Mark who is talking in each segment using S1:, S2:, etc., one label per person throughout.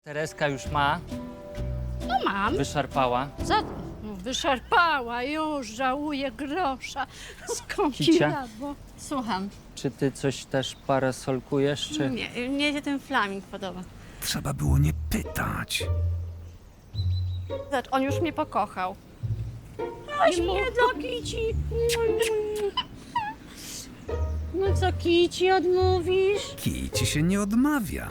S1: Tereska już ma,
S2: No mam.
S1: wyszarpała.
S2: Wyszarpała już, żałuję grosza. Skąpiła,
S1: Kicia?
S2: bo...
S3: Słucham.
S1: Czy ty coś też parasolkujesz, czy...
S3: Nie, mnie się ten flaming podoba.
S4: Trzeba było nie pytać.
S3: Zobacz, on już mnie pokochał.
S2: Aś mnie do Kici.
S3: No co, Kici, odmówisz?
S4: Kij ci się nie odmawia.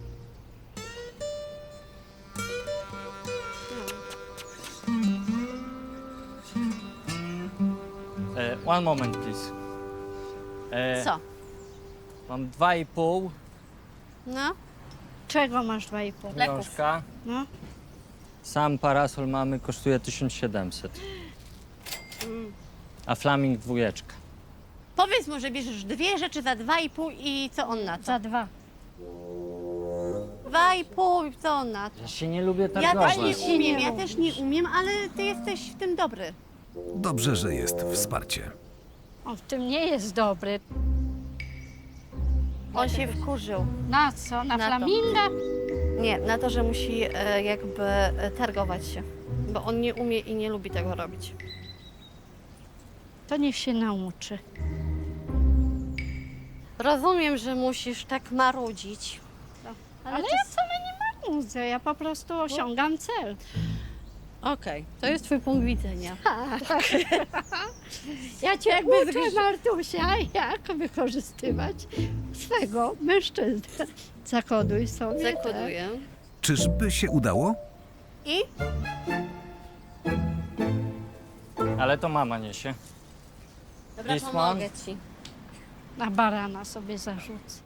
S1: One moment, please.
S3: Co?
S1: Mam 2,5
S3: No?
S2: Czego masz 2,5?
S3: Leków.
S1: książka.
S2: No.
S1: Sam parasol mamy, kosztuje 1700. A flaming 2.
S3: Powiedz mu, że bierzesz 2 rzeczy za 2,5 i co on na to?
S2: Za 2.
S3: 2,5 i co on na to?
S1: Ja się nie lubię
S3: Ja
S1: targować.
S3: też nie umiem, ja też nie umiem, ale ty jesteś w tym dobry.
S4: Dobrze, że jest wsparcie.
S2: On w tym nie jest dobry.
S3: On się wkurzył.
S2: Na co? Na
S3: Na to.
S2: flaminga?
S3: Nie, na to, że musi targować się. Bo on nie umie i nie lubi tego robić.
S2: To niech się nauczy.
S3: Rozumiem, że musisz tak marudzić.
S2: Ale ja wcale nie marudzę, ja po prostu osiągam cel.
S3: Okej, to jest twój punkt widzenia.
S2: Ja cię
S3: Jakby
S2: uczę,
S3: zgryź-
S2: Martusia, jak wykorzystywać swego mężczyznę. Zakoduj sobie.
S3: Zakoduję.
S4: Czyżby się udało?
S3: I?
S1: Ale to mama niesie.
S3: Dobra,
S1: This
S3: pomogę
S1: one?
S3: ci.
S2: Tak. Na barana sobie zarzucę.